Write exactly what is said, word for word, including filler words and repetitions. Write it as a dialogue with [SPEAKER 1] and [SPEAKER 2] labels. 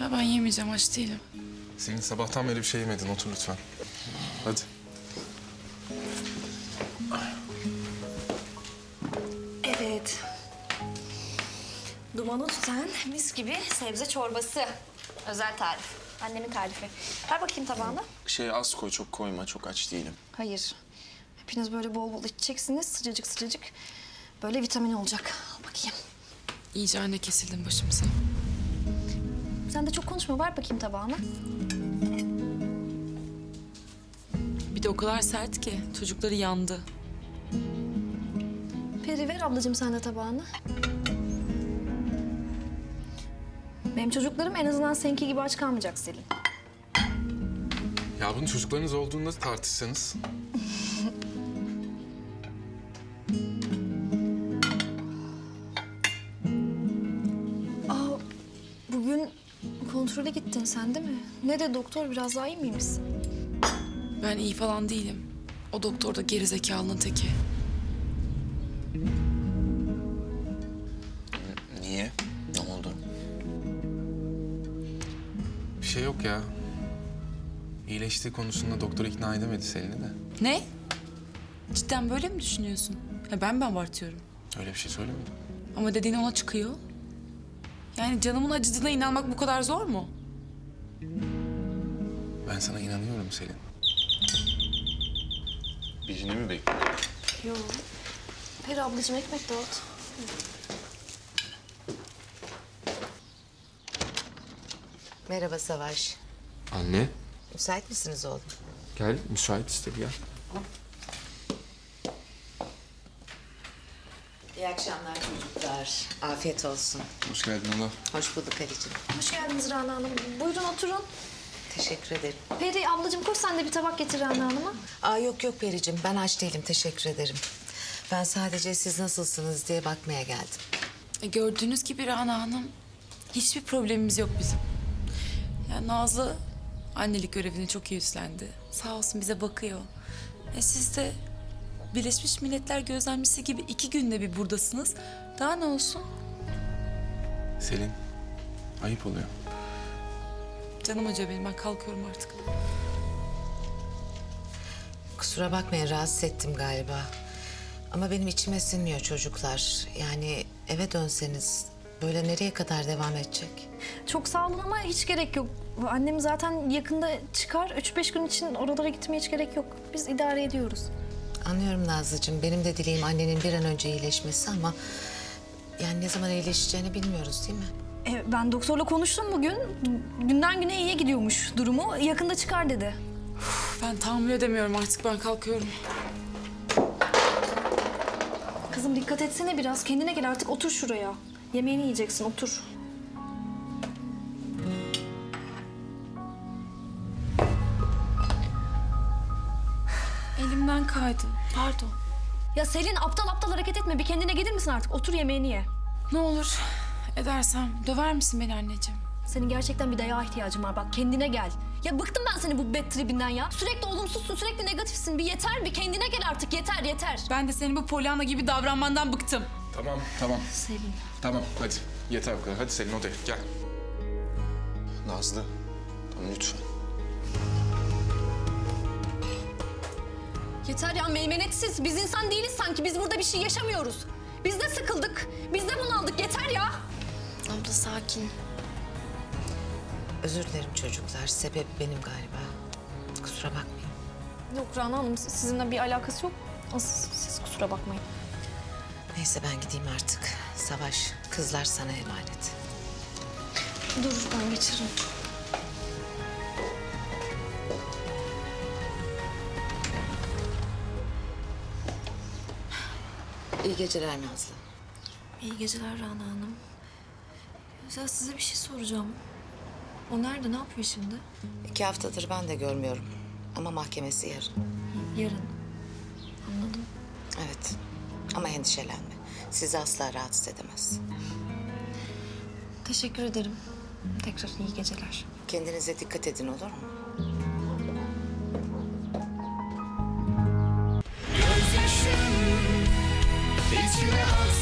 [SPEAKER 1] Ya ben yemeyeceğim, aç değilim.
[SPEAKER 2] Senin sabahtan beri bir şey yemedin. Otur lütfen. Hadi.
[SPEAKER 3] Evet. Dumanı tutan mis gibi sebze çorbası. Özel tarif. Annemin tarifi. Ver bakayım tabağına.
[SPEAKER 4] Şey az koy, çok koyma. Çok aç değilim.
[SPEAKER 3] Hayır. Hepiniz böyle bol bol içeceksiniz. Sıcacık sıcacık. Böyle vitamin olacak. Al bakayım.
[SPEAKER 1] İyice anne kesildin başımıza.
[SPEAKER 3] Sen de çok konuşma. Ver bakayım tabağına.
[SPEAKER 1] Bir de o kadar sert ki çocukları yandı.
[SPEAKER 3] Peri ver ablacığım sen de tabağını. Benim çocuklarım en azından seninki gibi aç kalmayacak Selin.
[SPEAKER 2] Ya bunun çocuklarınız olduğunda tartışsanız.
[SPEAKER 3] Aa, bugün kontrole gittin sen değil mi? Ne de doktor biraz daha iyi miymişsin?
[SPEAKER 1] Ben iyi falan değilim. O doktor da gerizekalının teki.
[SPEAKER 4] Niye? Ne oldu?
[SPEAKER 2] Bir şey yok ya. İyileştiği konusunda doktor ikna edemedi Selin'i de.
[SPEAKER 1] Ne? Cidden böyle mi düşünüyorsun? Ha, ben mi abartıyorum?
[SPEAKER 2] Öyle bir şey söylemedim.
[SPEAKER 1] Ama dediğin ona çıkıyor. Yani canımın acıdığına inanmak bu kadar zor mu?
[SPEAKER 2] Ben sana inanıyorum Selin.
[SPEAKER 4] Birini mi bekliyorsun?
[SPEAKER 3] Yok. Peri ablacığım ekmek dağıt.
[SPEAKER 5] Merhaba Savaş.
[SPEAKER 6] Anne,
[SPEAKER 5] Müsait misiniz oğlum?
[SPEAKER 6] gel müsait işte gel.
[SPEAKER 5] İyi akşamlar çocuklar. Afiyet olsun.
[SPEAKER 2] Hoş geldin Allah.
[SPEAKER 5] Hoş bulduk Ali'cim.
[SPEAKER 3] Hoş geldiniz Rana Hanım. Buyurun oturun.
[SPEAKER 5] Teşekkür ederim.
[SPEAKER 3] Peri ablacığım koş sen de bir tabak getir Rana Hanım'a.
[SPEAKER 5] Aa yok yok Pericim, ben aç değilim. Teşekkür ederim. Ben sadece siz nasılsınız diye bakmaya geldim.
[SPEAKER 1] E, gördüğünüz gibi Rana Hanım, hiçbir problemimiz yok bizim. Ya Nazlı annelik görevini çok iyi üstlendi. Sağ olsun bize bakıyor. E siz de Birleşmiş Milletler gözlemcisi gibi iki günde bir buradasınız. Daha ne olsun?
[SPEAKER 2] Selin, ayıp oluyor.
[SPEAKER 1] Canım acıyor benim, ben kalkıyorum artık.
[SPEAKER 5] Kusura bakmayın, rahatsız ettim galiba. Ama benim içime sinmiyor çocuklar. Yani eve dönseniz böyle nereye kadar devam edecek?
[SPEAKER 3] Çok sağ olun ama hiç gerek yok. Annem zaten yakında çıkar. Üç beş gün için oralara gitmeye hiç gerek yok. Biz idare ediyoruz.
[SPEAKER 5] Anlıyorum Nazlıcığım. Benim de dileğim annenin bir an önce iyileşmesi ama... yani ne zaman iyileşeceğini bilmiyoruz değil mi?
[SPEAKER 3] E, ben doktorla konuştum bugün. Günden güne iyiye gidiyormuş durumu. Yakında çıkar dedi.
[SPEAKER 1] Ben tahammül edemiyorum artık, ben kalkıyorum.
[SPEAKER 3] Kızım dikkat etsene biraz. Kendine gel artık, otur şuraya. Yemeğini yiyeceksin, otur.
[SPEAKER 1] Elimden kaydı, pardon.
[SPEAKER 3] Ya Selin aptal aptal hareket etme. Bir kendine gelir misin artık? Otur yemeğini ye.
[SPEAKER 1] Ne olur edersem döver misin beni anneciğim?
[SPEAKER 3] Senin gerçekten bir dayağa ihtiyacın var. Bak kendine gel. Ya bıktım ben senin bu bad tribinden ya. Sürekli olumsuzsun, sürekli negatifsin. Bir yeter, bir kendine gel artık. Yeter, yeter.
[SPEAKER 1] Ben de senin bu Pollyanna gibi davranmandan bıktım.
[SPEAKER 2] Tamam, tamam.
[SPEAKER 3] Selin.
[SPEAKER 2] Tamam, hadi. Yeter bu kadar. Hadi Selin odaya, gel.
[SPEAKER 4] Nazlı, tamam lütfen.
[SPEAKER 3] Yeter ya, meymenetsiz. Biz insan değiliz sanki. Biz burada bir şey yaşamıyoruz. Biz de sıkıldık. Biz de bunaldık. Yeter ya.
[SPEAKER 1] Abla sakin.
[SPEAKER 5] Özür dilerim çocuklar. Sebep benim galiba. Kusura bakmayın.
[SPEAKER 3] Yok Rana Hanım, sizinle bir alakası yok. Siz, siz kusura bakmayın.
[SPEAKER 5] Neyse ben gideyim artık. Savaş, kızlar sana emanet.
[SPEAKER 3] Dur, ben geçiririm.
[SPEAKER 5] İyi geceler Nazlı.
[SPEAKER 3] İyi geceler Rana Hanım. Ya size bir şey soracağım. O nerede, ne yapıyor şimdi?
[SPEAKER 5] İki haftadır ben de görmüyorum. Ama mahkemesi yarın.
[SPEAKER 3] Yarın. Anladım.
[SPEAKER 5] Evet. Ama endişelenme. Sizi asla rahatsız edemez.
[SPEAKER 3] Teşekkür ederim. Tekrar iyi geceler.
[SPEAKER 5] Kendinize dikkat edin, olur mu?
[SPEAKER 7] Gözyaşım içime aksın.